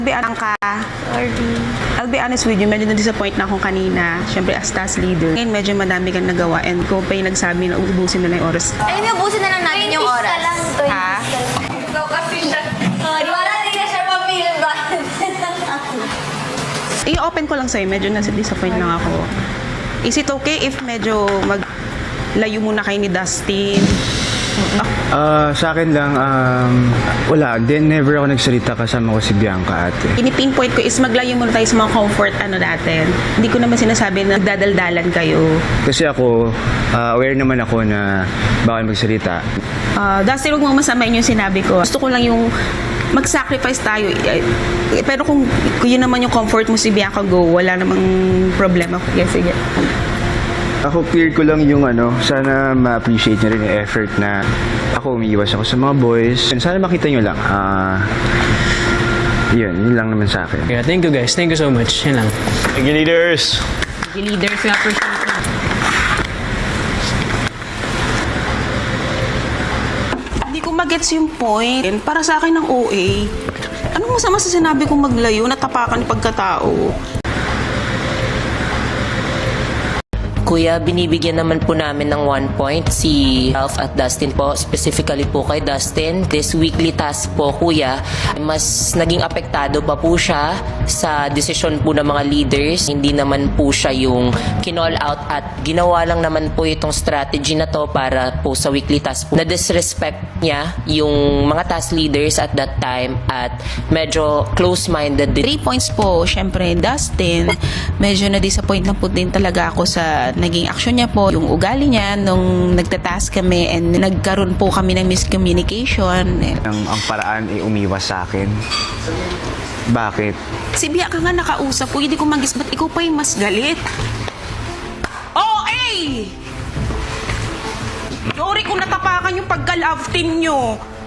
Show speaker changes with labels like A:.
A: I'll be honest with you, medyo na-disappoint na akong kanina. Siyempre, as task leader. Ngayon, medyo madami kang nagawa and ko pa yung nagsabi na ubusin na lang yung oras.
B: Alam niyo, ubusin na lang natin yung oras.
A: Ha?
B: Ikaw kasi siya. Di ba natin na siya mapilin ba?
A: I-open ko lang sa'yo, medyo na-disappoint lang ako. Is it okay if medyo maglayo muna kayo ni Dustin?
C: Sa akin lang, wala. Then, never ako nagsalita kasama ko si Bianca, ate.
A: Pinipinpoint ko is maglayo muna tayo sa mga comfort natin. Hindi ko naman sinasabi na nagdadaldalan kayo.
C: Kasi ako, aware naman ako na bawal magsalita.
A: Dustin, huwag mo masamain yung sinabi ko. Gusto ko lang yung mag-sacrifice tayo. Pero kung yun naman yung comfort mo si Bianca, go. Wala namang problema. Sige.
C: Ako, clear ko lang yung sana ma-appreciate nyo rin yung effort na ako, umiiwas ako sa mga boys. Sana makita nyo lang. Yun lang naman sa akin.
D: Yeah, thank you guys. Thank you so much. Yan lang.
E: Thank you, leaders.
A: Leaders nga appreciate. Hindi ko magets yung point. Para sa akin ng OA, anong masama sa sinabi kong maglayo, natapakan pagkatao?
F: Kuya, binibigyan naman po namin ng 1 point si Ralph at Dustin po. Specifically po kay Dustin. This weekly task po, kuya, mas naging apektado pa po siya sa desisyon po ng mga leaders. Hindi naman po siya yung kinall out at ginawa lang naman po itong strategy na to para po sa weekly task po. Na-disrespect niya yung mga task leaders at that time at medyo close-minded din.
A: 3 points po, syempre, Dustin. Medyo na-disappoint na po din talaga ako sa naging action niya po, yung ugali niya nung nagtatask kami and nagkaroon po kami ng miscommunication.
C: Ang paraan ay umiwas sa akin. Bakit?
A: Si Bianca nga nakausap ko, hindi ko magis, ba't ikaw pa yung mas galit? OA! Sorry kung natapakan yung pagka-love team nyo.